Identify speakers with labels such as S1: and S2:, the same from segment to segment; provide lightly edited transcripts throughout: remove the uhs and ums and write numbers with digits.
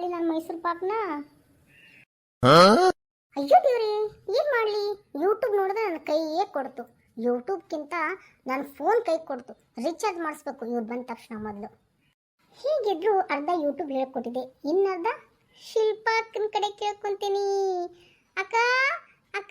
S1: ಮಾಡಿ ನಾನು ಮೈಸೂರು ಪಾಕ್ನ. ಅಯ್ಯೋ ದೇವ್ರಿ, ಏನು ಮಾಡಲಿ? ಯೂಟ್ಯೂಬ್ ನೋಡಿದ್ರೆ ನನ್ನ ಕೈಯೇ ಕೊಡ್ತು. ಯೂಟ್ಯೂಬ್ಗಿಂತ ನನ್ನ ಫೋನ್ ಕೈ ಕೊಡ್ತು. ರೀಚಾರ್ಜ್ ಮಾಡಿಸ್ಬೇಕು ಇವ್ರು ಬಂದ ತಕ್ಷಣ ಮೊದಲು. ಹೀಗಿದ್ರು ಅರ್ಧ ಯೂಟ್ಯೂಬ್ ಹೇಳ್ಕೊಟ್ಟಿದೆ, ಇನ್ನರ್ಧ ಶಿಲ್ಪಾಕ್ಕನ ಕಡೆ ಕೇಳ್ಕೊಂತೀನಿ. ಅಕ್ಕ ಅಕ್ಕ.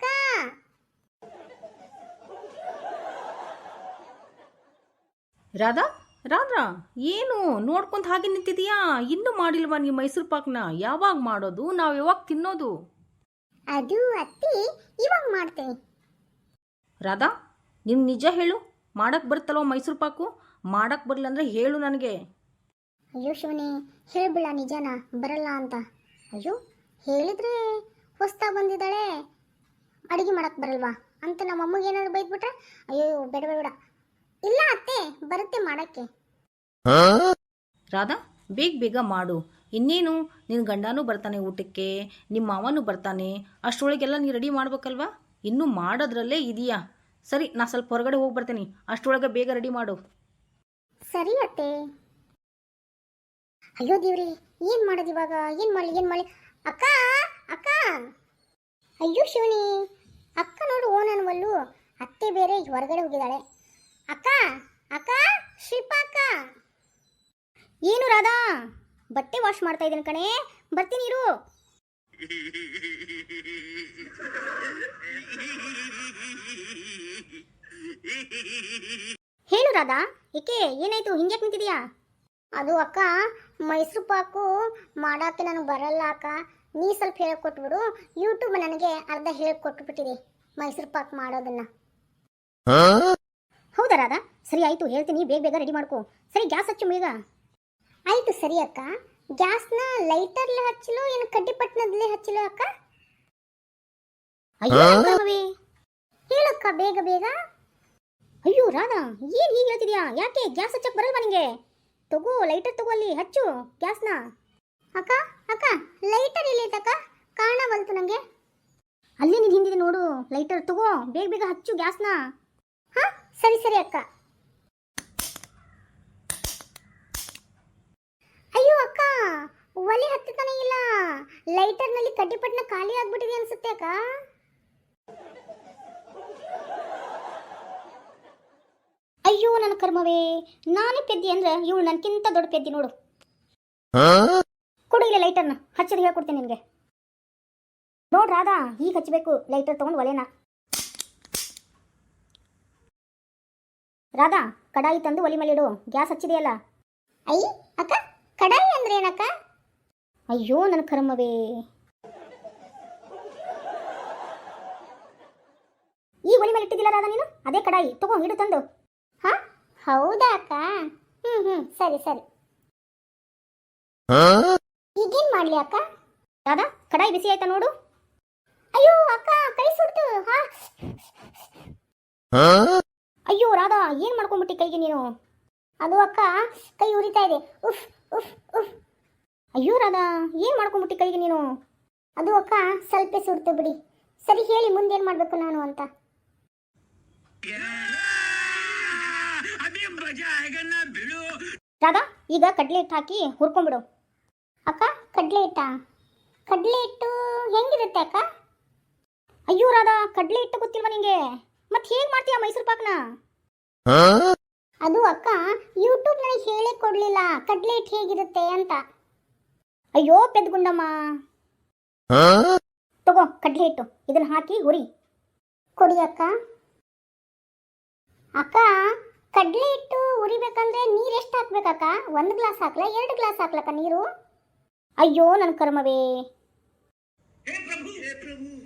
S2: ರಾಧಾ ರಾಧಾ, ಏನು ನೋಡ್ಕೊಂತ ಹಾಗೆ ನಿಂತಿದೀಯಾ? ಇನ್ನೂ ಮಾಡಿಲ್ವಾ ನೀವು ಮೈಸೂರು ಪಾಕ್ನ? ಯಾವಾಗ ಮಾಡೋದು? ನಾವು ಯಾವಾಗ ತಿನ್ನೋದು?
S1: ಅದು ಅತ್ತಿ ಇವಾಗ ಮಾಡ್ತೇನೆ.
S2: ರಾಧಾ, ನೀವು ನಿಜ ಹೇಳು, ಮಾಡಕ್ಕೆ ಬರುತ್ತಲ್ವ ಮೈಸೂರು ಪಾಕು? ಮಾಡಕ್ಕೆ ಬರಲ್ಲ ಅಂದರೆ ಹೇಳು ನನಗೆ.
S1: ಅಯ್ಯೋ ಶಿವನೇ, ಹೇಳ್ಬಿಡ ನಿಜನಾ ಬರಲ್ಲ ಅಂತ. ಅಯ್ಯೋ ಹೇಳಿದ್ರೆ ಹೊಸ್ತಾ ಬಂದಿದ್ದಾಳೆ, ಅಡುಗೆ ಮಾಡಕ್ಕೆ ಬರಲ್ವಾ ಅಂತ ನಮ್ಮ ಅಮ್ಮಗೆ ಏನಾದ್ರು ಬೈದ್ಬಿಟ್ರೆ? ಅಯ್ಯೋ ಬೇಡ ಬೇಡ. ಇಲ್ಲ ಅತ್ತೆ, ಬರುತ್ತೆ ಮಾಡೋಕ್ಕೆ.
S2: ರಾಧಾ, ಬೇಗ ಬೇಗ ಮಾಡು. ಇನ್ನೇನು, ನಿನ್ನ ಗಂಡನೂ ಬರ್ತಾನೆ ಊಟಕ್ಕೆ, ನಿಮ್ಮ ಮಾವನೂ ಬರ್ತಾನೆ. ಅಷ್ಟರೊಳಗೆಲ್ಲ ನೀ ರೆಡಿ ಮಾಡ್ಬೇಕಲ್ವಾ? ಇನ್ನೂ ಮಾಡೋದ್ರಲ್ಲೇ ಇದೆಯಾ? ಸರಿ, ನಾ ಸ್ವಲ್ಪ ಹೊರಗಡೆ ಹೋಗಿ ಬರ್ತೀನಿ, ಅಷ್ಟರೊಳಗೆ ಬೇಗ ರೆಡಿ ಮಾಡು.
S1: ಸರಿ ಅತ್ತೆ. ಅಯ್ಯೋ ದೇವ್ರಿ, ಏನು ಮಾಡೋದು ಇವಾಗ? ಏನು ಮಾಡಲಿ? ಅಕ್ಕ ಅಕ್ಕ. ಅಯ್ಯೋ ಶಿವನಿ, ಅಕ್ಕ ನೋಡು ಓನನ್ವಲ್ಲು. ಅತ್ತೆ ಬೇರೆ ಹೊರಗಡೆ ಹೋಗಿದ್ದಾಳೆ. ಅಕ್ಕ ಅಕ್ಕ, ಶಿಲ್ಪ ಅಕ್ಕ. ಏನು ರಾಧಾ? ಬಟ್ಟೆ ವಾಶ್ ಮಾಡ್ತಾ ಇದ್ದೀನಿ ಕಣೆ, ಬರ್ತೀನಿ ಇರು. ಹೇಳು ರಾಧಾ, ಏಕೆ ಏನಾಯ್ತು? ಹಿಂಗ್ಯಾಕೆ ನಿಂತಿದೀಯಾ? ಅದು ಅಕ್ಕ, ಮೈಸೂರು ಪಾಕು ಮಾಡೋಕ್ಕೆ ನನಗೆ ಬರಲ್ಲ ಅಕ್ಕ. ನೀ ಸ್ವಲ್ಪ ಹೇಳ್ಕೊಟ್ಬಿಡು. ಯೂಟ್ಯೂಬ್ ನನಗೆ ಅರ್ಧ ಹೇಳ್ಕೊಟ್ಬಿಟ್ಟಿದೆ ಮೈಸೂರು ಪಾಕ್ ಮಾಡೋದನ್ನ. ಹೌದಾ ರಾಧಾ? ಸರಿ ಆಯಿತು, ಹೇಳ್ತೀನಿ, ಬೇಗ ಬೇಗ ರೆಡಿ ಮಾಡ್ಕೊ. ಸರಿ, ಗ್ಯಾಸ್ ಹಚ್ಚು ಬೇಗ. ಆಯಿತು ಸರಿ ಅಕ್ಕ. ಗ್ಯಾಸ್ನ ಲೈಟರ್ಲೆ ಹಚ್ಚಲು ಏನು ಕಡ್ಡಿಪಟ್ಟಣದಲ್ಲೇ ಹಚ್ಚಲು ಅಕ್ಕ? ಅಯ್ಯೋ ಹೇಳಕ್ಕ ಬೇಗ ಬೇಗ. ಅಯ್ಯೋ ರಾಧಾ, ಏನು ಹೀಗೆ ಹೇಳ್ತಿದ್ಯಾ? ಯಾಕೆ ಗ್ಯಾಸ್ ಹಚ್ಚಕ್ಕೆ ಬರಲ್ವಾ ನಿಂಗೆ? ತಗೋ ಲೈಟರ್, ತಗೋ, ಅಲ್ಲಿ ಹಚ್ಚು ಗ್ಯಾಸ್ನ. ಅಕ್ಕ ಅಕ್ಕ, ಲೈಟರ್ ಎಲ್ಲೈತಕ್ಕ? ಕಾಣವಲ್ತು ನನಗೆ. ಅಲ್ಲೇ ನೀನು ಹಿಂದಿದೆ ನೋಡು ಲೈಟರ್, ತಗೋ ಬೇಗ ಬೇಗ ಹಚ್ಚು ಗ್ಯಾಸ್ನ. ಹಾಂ ಸರಿ ಸರಿ ಅಕ್ಕ. ಅಯ್ಯೋ ಅಕ್ಕ, ಒಲೆ ಹತ್ತತಾನೆ ಇಲ್ಲ. ಲೈಟರ್ನಲ್ಲಿ ಕಡ್ಡಿಪಟ್ಟಣ ಖಾಲಿ ಆಗ್ಬಿಟ್ಟಿದೆ ಅನ್ಸುತ್ತೆ ಅಕ್ಕ. ಅಯ್ಯೋ ನನ್ನ ಕರ್ಮವೇ, ನಾನೇ ಪೆದ್ದಿ ಅಂದ್ರೆ ಇವಳು ನನ್ಕಿಂತ ದೊಡ್ಡ ಪೆದ್ದಿ ನೋಡು. ಕೊಡು ಇಲ್ಲ ಲೈಟರ್ನ, ಹಚ್ಚೋದು ಹೇಳ್ಕೊಡ್ತೀನಿ ನಿನಗೆ. ನೋಡ್ ರಾಧಾ, ಈಗ ಹಚ್ಚಬೇಕು ಲೈಟರ್ ತಗೊಂಡು ಒಲೆನ. ರಾಧಾ, ಕಡಾಯಿ ತಂದು ಒಲೆ ಮೇಲೆ ಇಡು, ಗ್ಯಾಸ್ ಹಚ್ಚಿದೆಯಲ್ಲ. ಅಯ್ಯ ಅಕ್ಕ, ಕಡಾಯಿ ಅಂದ್ರೆ ಏನಕ್ಕ? ಅಯ್ಯೋ ನನ್ನ ಕರ್ಮವೇ, ಈ ಒಲೆ ಮೇಲೆ ಇಟ್ಟಿದ್ದಿಲ್ಲ ರಾಧಾ ನೀನು? ಅದೇ ಕಡಾಯಿ, ತಗೋ ಇಡು ತಂದು. ಹಾ ಹೌದಾ ಅಕ್ಕ? ಸರಿ ಸರಿ. ಈಗೇನ್ ಮಾಡ್ಲಿ ಅಕ್ಕ? ರಾಧಾ, ಕಡಾಯಿ ಬಿಸಿ ಆಯ್ತಾ ನೋಡು. ಅಯ್ಯೋ ಅಕ್ಕ, ಕೈ ಸುಡ್ತು. ಅಯ್ಯೋ ರಾಧಾ, ಏನ್ ಮಾಡ್ಕೊಂಡ್ಬಿಟ್ಟಿ ಕೈಗೆ ನೀನು? ಅದು ಅಕ್ಕ, ಕೈ ಉರಿತಾ ಇದೆ. ಉಫ್ ಉಫ್ ಉಫ್. ಅಯ್ಯೋ ರಾಧಾ, ಏನ್ ಮಾಡ್ಕೊಂಡ್ಬಿಟ್ಟಿ ಕೈಗೆ ನೀನು? ಅದು ಅಕ್ಕ, ಸ್ವಲ್ಪ ಸುಡ್ತು ಬಿಡಿ. ಸರಿ, ಹೇಳಿ ಮುಂದೇನ್ ಮಾಡ್ಬೇಕು ನಾನು ಅಂತ. ರಾಧಾ, ಈಗ ಕಡ್ಲೆ ಹಿಟ್ಟು ಹಾಕಿ ಹುರ್ಕೊಂಡ್ಬಿಡು. ಅಕ್ಕ, ಕಡ್ಲೆ ಹಿಟ್ಟು ಹೆಂಗಿರುತ್ತೆ ಅಕ್ಕ? ಅಯ್ಯೋ ರಾಧಾ, ಕಡ್ಲೆ ಹಿಟ್ಟು ಗೊತ್ತಿಲ್ವಾ ನಿಂಗೆ? ಮತ್ತೆ ಹೇಗೆ ಮಾಡ್ತೀಯ ಮೈಸೂರು ಪಾಕ್ನ? ಅದು ಅಕ್ಕ, ಯೂಟ್ಯೂಬ್ ನನಗೆ ಹೇಳೇ ಕೊಡ್ಲಿಲ್ಲ ಕಡ್ಲೆ ಹಿಟ್ಟು ಹೇಗಿರುತ್ತೆ ಅಂತ. ಅಯ್ಯೋ ಪೆದ್ಗುಂಡಮ್ಮ, ತಗೋ ಕಡ್ಲೆ ಹಿಟ್ಟು, ಇದನ್ನ ಹಾಕಿ ಹುರಿ. ಕೊಡಿ ಅಕ್ಕ. ಅಕ್ಕ, ಕಡ್ಲೆ ಹಿಟ್ಟು ಉರಿಬೇಕಂದ್ರೆ ನೀರು ಎಷ್ಟು ಹಾಕ್ಬೇಕಕ್ಕ? 1 ಗ್ಲಾಸ್ ಹಾಕ್ಲಾ 2 ಗ್ಲಾಸ್ ಹಾಕ್ಲಕ್ಕ ನೀರು? ಅಯ್ಯೋ ನನ್ನ ಕರ್ಮವೇ.